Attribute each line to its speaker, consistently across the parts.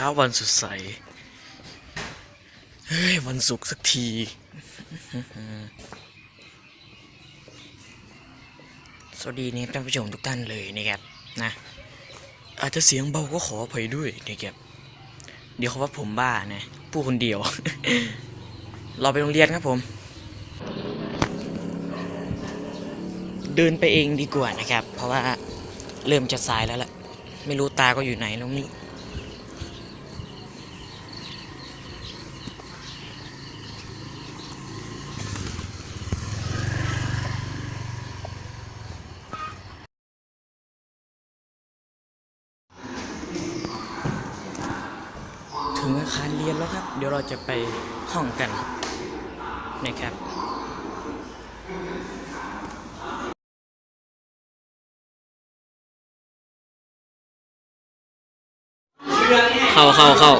Speaker 1: ช้าวันสดใสเฮ้ยวันศุกร์สักทีสวัสดีนี่ท่านผู้ชมทุกท่านเลยนะครับนะอาจจะเสียงเบาก็ขออภัยด้วยนะครับเดี๋ยวเขาว่าผมบ้านะพูดคนเดียว เราไปโรงเรียนครับผมเดินไปเองดีกว่านะครับเพราะว่าเริ่มจะสายแล้วล่ะไม่รู้ตาก็อยู่ไหนตรงนี้ถึงอาคารเรียนแล้วครับเดี๋ยวเราจะไปห้องกันนะครับเข้า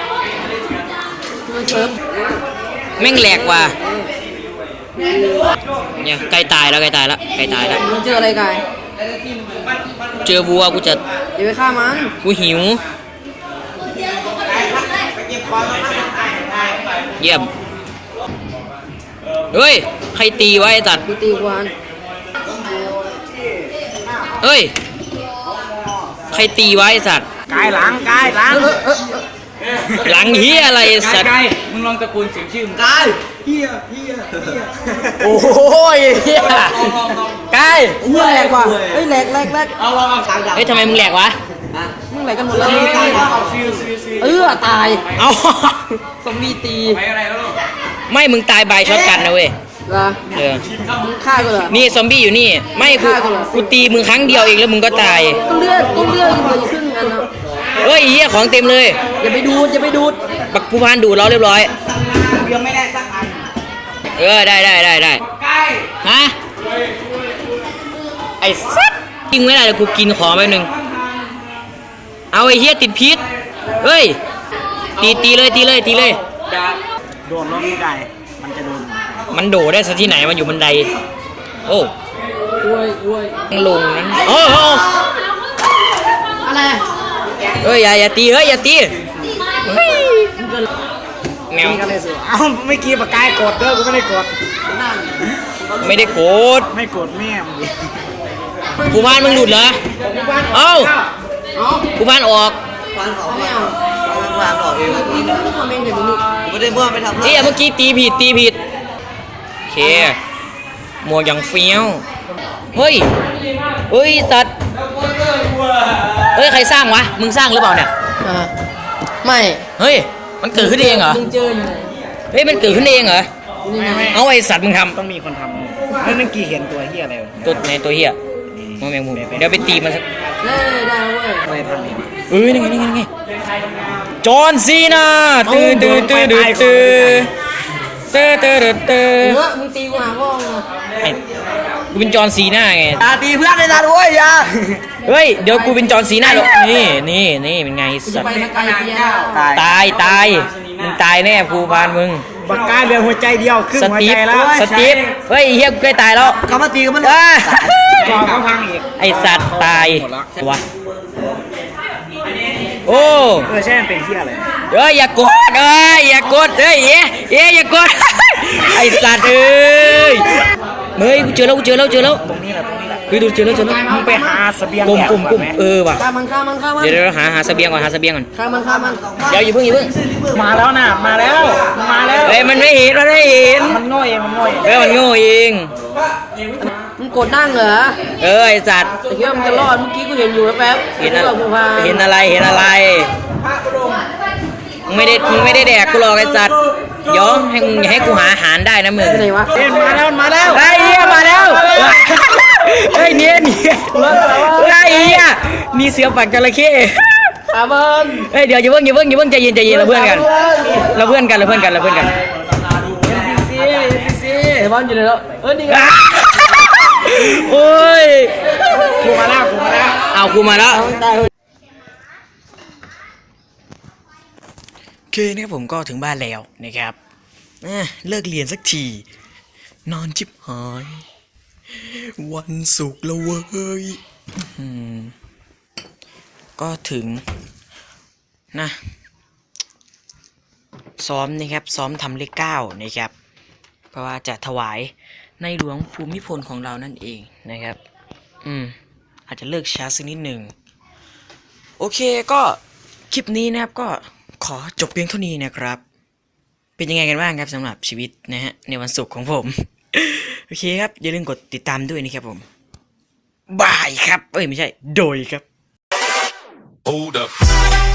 Speaker 1: แม่งแหลกว่ะเนี่ยใกล้ตายแล้วมัน
Speaker 2: เจออะไรกาย
Speaker 1: เจอวัวกูจะ
Speaker 2: อย่าไปฆ่ามัน
Speaker 1: กูหิวเยี่ยมเฮ้ยใครตีไว้ตัด
Speaker 2: กูตีวาน
Speaker 1: เฮ้ยใครตีไว้สัตว์
Speaker 3: กายหลัง
Speaker 1: หลังเฮียอะไรสัตว์
Speaker 3: มึงลองตะโกนเสียงชื่อมึงกายเฮีย
Speaker 1: โอ้ยเฮียกาย
Speaker 2: เฮียแหลกว่ะเฮ้ยแหลก
Speaker 3: เอา
Speaker 1: เฮ้ยทำไมมึงแหลกวะ
Speaker 2: มึงแหลกกันหมดเลยตาย
Speaker 1: เอา
Speaker 2: ซอมบี้ตี
Speaker 1: ไม่มึงตายบายช็อตกันนะเว้ย
Speaker 2: มึงฆ่ากูเหรอ
Speaker 1: นี่ซอมบี้อยู่นี่ไม่กูตีมึงครั้งเดียวเองแล้วมึงก็ตาย
Speaker 2: ก็เลือดเหลือครึ่งอันนะ
Speaker 1: เฮ้ยเฮียของเต็มเลย
Speaker 2: อย่าไปดูด
Speaker 1: บักผู้พานดูดเราเรียบร้อย
Speaker 3: ยังไม่ได้สักอัน
Speaker 1: ได้ฮะไอ้สัตว์กินไม่ได้เดี๋ยวกูกินของไปหนึ่งเอาไอ้เฮียติดพิษเฮ้ยตีเลย
Speaker 3: โดนลงไม่ได้มันจะโดน
Speaker 1: มันโดดได้ซะที่ไหนมันอยู่บันไดโอ้ลงนั้นโอ้
Speaker 2: อะไร
Speaker 1: เฮ้ยอย่าตีแมว
Speaker 3: เอาไม่กี้ปากกายกดเด้อกูไม่ได้กด
Speaker 1: ไม่โกรธ
Speaker 3: แม่
Speaker 1: ผู้พานมึงหลุดเหรอเอ้าผู้พานออก
Speaker 2: ไม่เอาวางออกเองไม่ได้บ้าไม่ทำ
Speaker 1: เมื่อกี้ตีผิดโอเคหมวกอย่างเฟี้ยวเฮ้ยสัตว์เฮ้ยใครสร้างวะมึงสร้างหรือเปล่าเนี่ย
Speaker 2: ไม่
Speaker 1: เฮ้ยมันเกิดขึ้นเองเหรอเฮ้ยมันเกิดขึ้นเองเหรอเอาไอ้สัตว์มึงทำ
Speaker 3: ต้องมีคนทำนั่นกี่เห็นตัวเฮียอะไร
Speaker 1: ตัวเฮียมึงแมงมุมเดี๋ยวไปตีมันสัก
Speaker 2: ได้เว้ย
Speaker 3: ไม่ทำนี่
Speaker 1: นี่ไงจอห์นซีนาตื่น
Speaker 2: มึงตีกูหาพ่อ
Speaker 1: กูเป็นจอห์นซีนาไง
Speaker 3: ตีเพื่อนเลยนะด้วยยา
Speaker 1: เฮ้ยเดี๋ยวกูเป็นจอห์นซีนาหรอกนี่เป็นไงสัตว์ตายมึงตายแน่ภูพานมึง
Speaker 3: บักกายเหลือหัวใจเดียวครึ่งหัวใจแล้ว
Speaker 1: สตีฟเฮ้ยเฮียกูใกล้ตายแล้ว
Speaker 3: เขามาตีกันมันก่อนเขาพังอีก
Speaker 1: ไอสัตว์ตายวะโอ้
Speaker 3: ใช่มันเป็นเฮียอะไร
Speaker 1: อย่ากดอย่ากดอย่ากดไอสัตว์กูเจอแล้ว
Speaker 3: ตรงนี้แหละ
Speaker 1: ดูเจอแล้ว
Speaker 3: มึงไปหาเสบียง
Speaker 1: กุมว่ะ
Speaker 2: ฆ่ามัน
Speaker 1: เดี๋ยวหาเสบียงก่อน
Speaker 2: ฆ่ามัน
Speaker 1: เดี๋ยวอย่าเพิ่ง
Speaker 3: มาแล้ว
Speaker 1: เฮ้ยมันไม่เห็น
Speaker 3: มันโง่เอง
Speaker 1: มันโง่เอง
Speaker 2: มึงกดนั่งเหรอ
Speaker 1: ไอสัตว์
Speaker 2: แต่คิดว่ามันจะรอดเมื่อกี้กูเห็นอยู่แป๊บ
Speaker 1: เห็นอะไรมึงไม่ได้แดกกูหรอกไอสัตว์เดี๋ยวให้กูหาอาหารได้นะมึง
Speaker 2: ไหนวะ
Speaker 3: มาแล้ว
Speaker 1: ไอ้เหี้ยมาแล้วเฮ้ยเนี่ยไอ้เหี้ยมีเสือปักจระเข้เฮ้ยเดี๋ยวอย่าเพิ่งใจเย็นเราเพื่อนกัน
Speaker 2: ไอ้บอลอยู่ไหนแล้วนี่ไง
Speaker 1: โอ้ย
Speaker 3: กูมาแล้ว
Speaker 1: เอากูมาแล้วโอเคนะครับผมก็ถึงบ้านแล้วนะครับเลิกเรียนสักทีนอนชิบหายวันศุกร์แล้วเว้ยก็ถึงนะซ้อมนะครับซ้อมทำเลข9นะครับเพราะว่าจะถวายในหลวงภูมิพลของเรานั่นเองนะครับอาจจะเลิกช้าสักนิดหนึ่งโอเคก็คลิปนี้นะครับก็ขอจบเพียงเท่านี้นะครับเป็นยังไงกันบ้างครับสำหรับชีวิตนะฮะในวันศุกร์ของผม โอเคครับอย่าลืมกดติดตามด้วยนะครับผมบายครับไม่ใช่โดยครับ
Speaker 4: Hold up.